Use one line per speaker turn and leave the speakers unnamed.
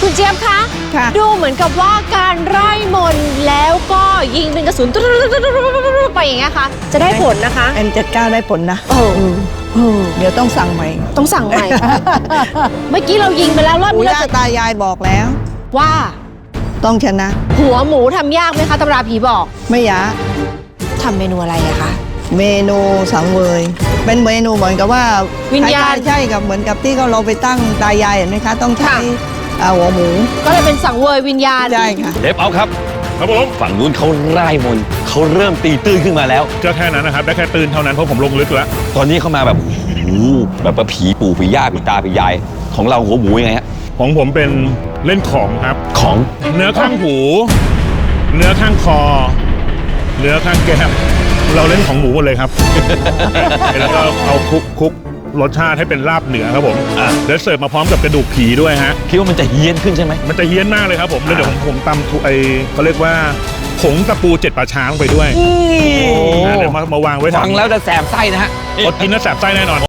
คุณเจี๊ยบคะ
ค่ะ
ดูเหมือนกับว่าการไล่มนต์แล้วก็ยิงเป็นกระสุนไปอย่างเงี้ยค่ะจะได้ผลนะคะ
M79 ได้ผลนะ เดี๋ยวต้องสั่งใหม่
ต้องสั่งใหม่ เมื่อกี้เรายิงไปแล้วรอบ
ปู่
นี้เรา
ย่า
จะ
ตายายบอกแล้ว
ว่า
ต้องชนะ
หัวหมูทำยากไหมคะตำราผีบอก
ไม่ยาก
ทำเมนูอะไรอะคะ
เมนูสังเวย เป็นเมนูเหมือนกับว่า
วิญญาณ
ใช่กับเหมือนกับที่เราไปตั้งตายายเห็นไหมคะ ต้องใช้
ค่ะ
หัวหมู
ก็เลยเป็นสังเวยวิญญาณ
ใช่ค่ะ
เดฟเอาครับ
ครับผม
ฝั่งนู้นเขาไล่มนต์เขาเริ่มตีตื้นขึ้นมาแล้ว
ก็แค่นั้นนะครับ ได้แค่ตื่นเท่านั้นเพราะผมลงลึกแล้ว
ตอนนี้เขามาแบบโอ้โหแบบว่าผีปู่ผีย่าผีตาผียาย ของเราหัวหมูยังไงฮะ
ของผมเป็นเล่นของครับ
ของ
เนื้อข้างหู เนื้อข้างคอ เนื้อข้างแก้มเราเล่นของหมูหมดเลยครับ แล้วก็เอาคลุกรสชาติให้เป็นลาบเหนือครับผมแล้วเสิร์ฟมาพร้อมกับกระดูกผีด้วยฮะ
คิดว่ามันจะเฮี้ยนขึ้นใช่ไหม
มันจะเฮี้ยนมากเลยครับผมแล้วเดี๋ยวผมตำเขาเรียกว่าผงตะปู7ป่าช้าลงไปด้วยเดี๋ยวมาวางไว้
ฟังแล้วจะแสบไส้นะฮะ
อดกินแล้วแสบไส้แน่นอน